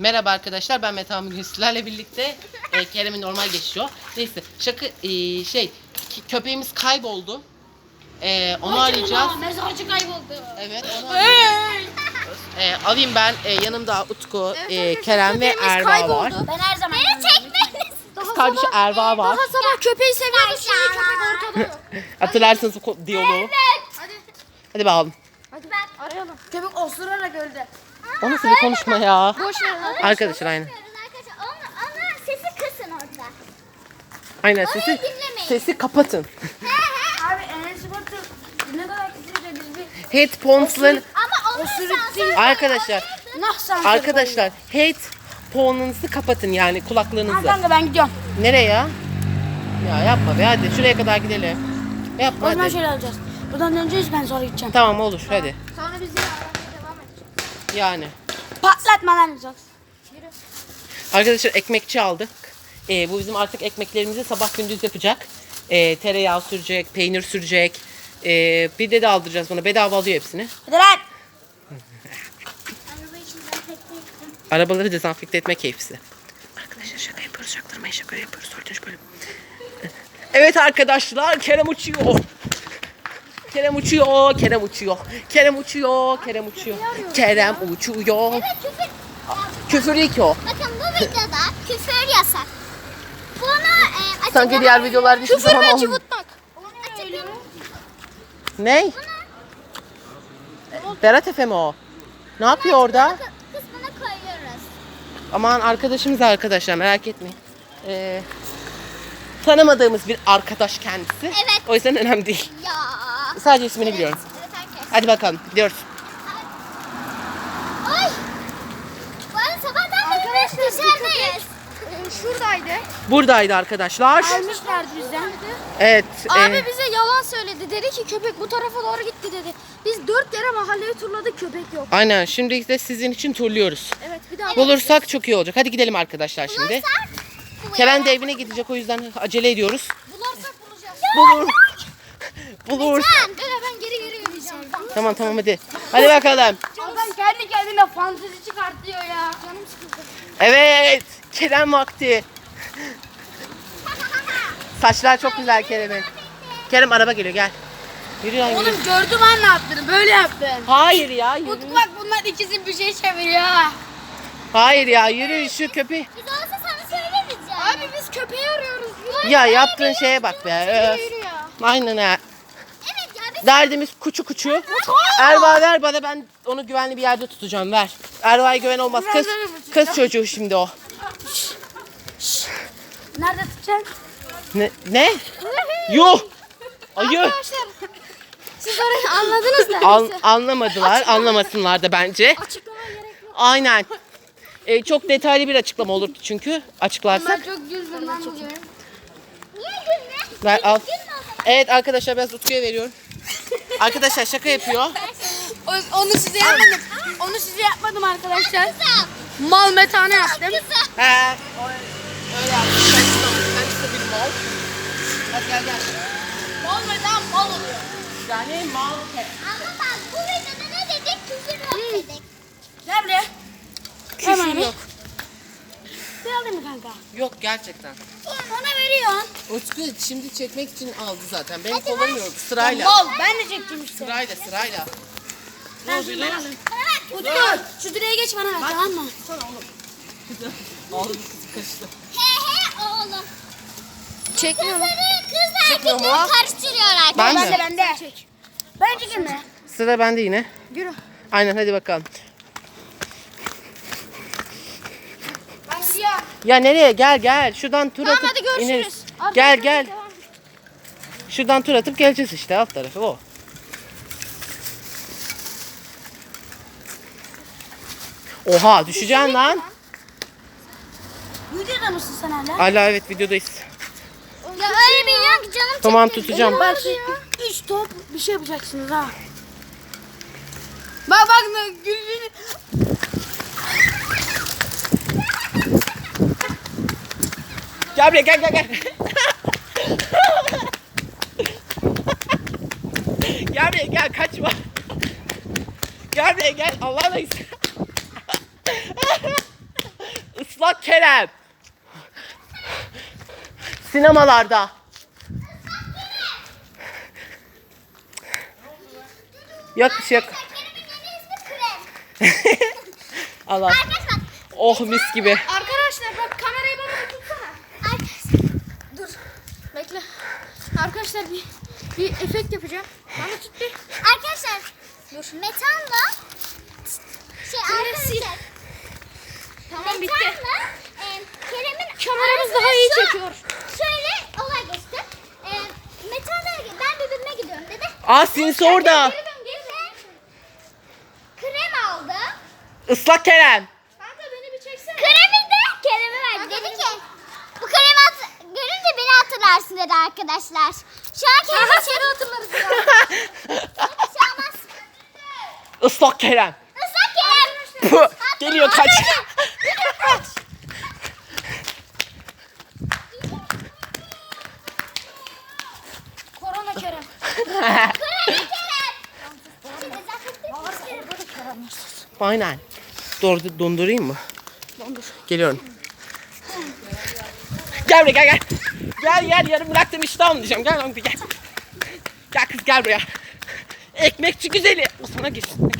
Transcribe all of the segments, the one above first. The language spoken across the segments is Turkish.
Merhaba arkadaşlar, ben Mete bugün sizlerle birlikte Kerem'in normal geçiyor. Neyse şaka köpeğimiz kayboldu. Onu arayacağız. Mezarcı kayboldu. Evet, onu arayacağız. Alayım ben, yanımda Utku, Kerem ve Erva var. Ben her zaman beni çekmeyin. Kız kardeşi Erva var. Daha sabah köpeği seviyorduk, şimdi köpek ortada yok. Hatırlarsınız bu diyaloğu. Hadi bakalım. Hadi ben arayalım. Köpek osurarak öldü. O nasıl bir konuşma ya? Boş ver. Arkadaşlar aynen. Arkadaşlar ona sesi kısın orada. Aynen Onu dinlemeyin. sesi kapatın. Abi Enes Batur ne kadar kötüydü biz bir Headphones'ların Ama onun sesi arkadaşlar nahsan. Arkadaşlar headphone'unuzu kapatın, yani kulaklığınızı. Kanka ben gidiyorum. Nereye ya? Ya yapma be, hadi şuraya kadar gidelim. Yapma O zaman hadi. şöyle alacağız. Buradan döneceğiz, ben sonra gideceğim. Tamam olur hadi. Sonra biz yine aramaya devam edeceğiz. Yani. Patlatma lan Uzak. Arkadaşlar ekmekçi aldık. Bu bizim artık ekmeklerimizi sabah gündüz yapacak. Tereyağı sürecek, peynir sürecek. Bir de aldıracağız buna. Bedava alıyor hepsini. Hadi lan. Arabayı şimdi ben tekneye gittim. Arabaları dezenfekte etme keyfisi. Arkadaşlar şaka yapıyoruz, şaktırmayın, şaka yapıyoruz. Dördüncü bölüm. Evet arkadaşlar, Kerem uçuyor. Kerem uçuyor, Kerem uçuyor. Kerem uçuyor, Kerem uçuyor. Kerem uçuyor. Evet küfür. Küfür değil ki o. Bakın bu videoda küfür yasak. Bunu açıklama. Sanki diğer videolarda hiçbir zaman olmuyor. cıvıtmak. Ne? Berat Efe mi o? Ne yapıyor orada? Kısmına koyuyoruz. Aman arkadaşımız arkadaşlar, merak etmeyin. Tanımadığımız bir arkadaş kendisi. Evet. O yüzden önemli değil. Ya. Sadece ismini biliyorum. Evet herkes. Hadi bakalım gidiyoruz. Ay. Bu arada sabahtan beri biz dışarıdayız. Şuradaydı. Buradaydı arkadaşlar. Almışlardı bizden. Evet. Abi bize yalan söyledi. Dedi ki köpek bu tarafa doğru gitti dedi. Biz 4 kere mahalleyi turladık, köpek yok. Aynen, şimdi de sizin için turluyoruz. Evet bir daha. Bulursak çok iyi olacak. Hadi gidelim arkadaşlar şimdi. Bulursak. Kerem de evine gidecek, o yüzden acele ediyoruz. Bularsak bulacağız. Bulur. Bulur. Ben geri yürüyeceğim. Tamam hadi. Hadi bakalım. Adam kendi kendine fantezi çıkartıyor ya. Canım sıkıldı. Evet. Kerem vakti. Saçlar çok güzel Kerem'in. Kerem araba geliyor, gel. Yürü lan, yürü. Oğlum gördüm ben ne yaptığını, böyle yaptın. Hayır ya, yürü. Utku bak bunlar ikisi bir şey çeviriyor. Hayır ya, yürü şu köpeği. Biz olsa sana söylemeyeceğim. Abi biz köpeği arıyoruz. Ya yaptığın şeye bak be. Yürü ya. Aynen ha. Evet ya biz Derdimiz kuçu. Erva ver bana, ben onu güvenli bir yerde tutacağım, ver. Erva'ya güven olmaz. Kız çocuğu şimdi o. Nerede tutacaksın? Ne? Yuh. Ayı. Arkadaşlar siz orayı anladınız da. Anlamadılar. Anlamasınlar da bence. Açıklamaya gerek yok. Aynen. Çok detaylı bir açıklama olurdu çünkü açıklarsak. Ben çok güldüm lan bugün. niye gülme? Ver al. Evet arkadaşlar, ben Utku'ya veriyorum. Arkadaşlar şaka yapıyor. Onu size yapmadım. Onu size yapmadım arkadaşlar. Mal metane yaptım. He. Öyle yaptım. Ben işte bir mal. Hadi gel. Mal metan mal oluyor. Yani mal. Ama bak bu videoda ne dedik? Küfür yok dedik. Gel buraya. Küfür yok. Bir alayım mı kanka? Yok gerçekten. Ona veriyorsun. Utku şimdi çekmek için aldı zaten. Ben kullanmıyorum sırayla. Mal ben de çekeceğim işte. Sırayla. Ne Ben oluyor ben lan? alayım. Utku şu direğe geç bana ver, tamam mı? Ağzım kızı kaçtı. He oğlum. Çekmiyor mu? Kızlar Çekmiyor mu? erkekleri karıştırıyorlar. Ben mi? Bende. Ben çekeyim mi? Sıra bende yine. Yürü. Aynen, hadi bakalım. Ben gidiyorum. Ya nereye? Gel. Şuradan tur Tamam, atıp hadi görüşürüz. ineriz. Abi, Gel. devam. Şuradan tur atıp geleceğiz işte, alt tarafı o. Oha, düşeceksin lan. Videoda mısın sen hala? Hala evet, videodayız. Ya öyle biliyorum ki canım Tamam, tutacağım. Bak şu 3 top bir şey yapacaksınız ha. Bak gülüşünü. Gel buraya, gel. Gel buraya, kaçma. Gel buraya, Allah'ına Islak Kerem. Sinemalarda. Yok bir şey yok. Kerem'in yeni ismi Krem. Allah. Arkadaşlar. Oh mis gibi. Arkadaşlar bak kamerayı bana bir tutsana. Arkadaşlar. Dur. Bekle. Arkadaşlar bir efekt yapacağım. Bana tut bir. Arkadaşlar. Metanla. Arkadaşlar. Tamam bitti. Metanla Kerem'in Kameramız arasında daha iyi şu- çekiyor. Şöyle olay geçti. Metan dedi ki ben birbirine gidiyorum dedi. Aa sinsi orada. Geri dön geri dön. Krem aldı. Islak Kerem. Kanka beni bir çeksene. Kremi de Kerem'e verdi. Dedi ki bu kremi görünce beni hatırlarsın dedi arkadaşlar. Şu an Kerem'i Aha seni hatırlarız ya. bir şey olmaz. Islak Kerem. Islak Kerem. Puh, geliyor kaç. Korona Kerem. Kremi Kerem. Şimdi zaten Böyle Kerem. Aynen. Dondurayım mı? Dondur. Geliyorum. Gel buraya gel. Gel yarım bıraktım iştahım diyeceğim. Gel lan gel. Gel kız gel buraya. Ekmekçi güzeli. O sana geçsin.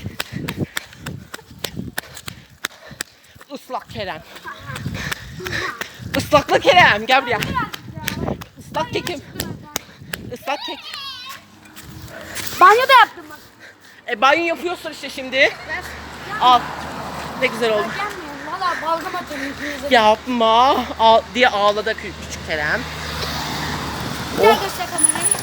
Islak Kerem. Islaklı Kerem. Gel buraya. Islak kekim. Islak kek. Banyo da yaptım bak. Banyo yapıyorsun işte şimdi. Al. Ne güzel oldu. Gelmiyor. Valla balgam atıyorum yüzünüze. Yapma. Diye ağladı küçük Kerem. Bir daha göster kamerayı.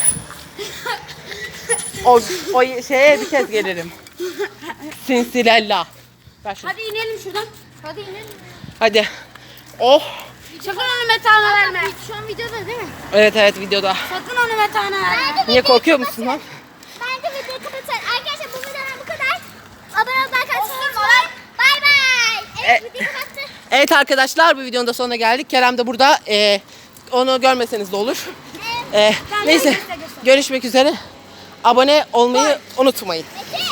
O şeye bir kez gelirim. Sinsilella. Ver şunu. Hadi inelim şuradan. Hadi inelim. Hadi. Oh. Sakın onu metana verme. Şu an videoda değil mi? Evet videoda. Sakın onu metana verme. Niye korkuyor musun lan? bence videoyu kapatın. Arkadaşlar bu videodan bu kadar. Abone olmayı unutmayın. Bay bay. Evet videoyu kapattık. Evet arkadaşlar bu videonun da sonuna geldik. Kerem de burada. Onu görmeseniz de olur. Neyse. Görüşmek üzere. Abone olmayı unutmayın. Metin.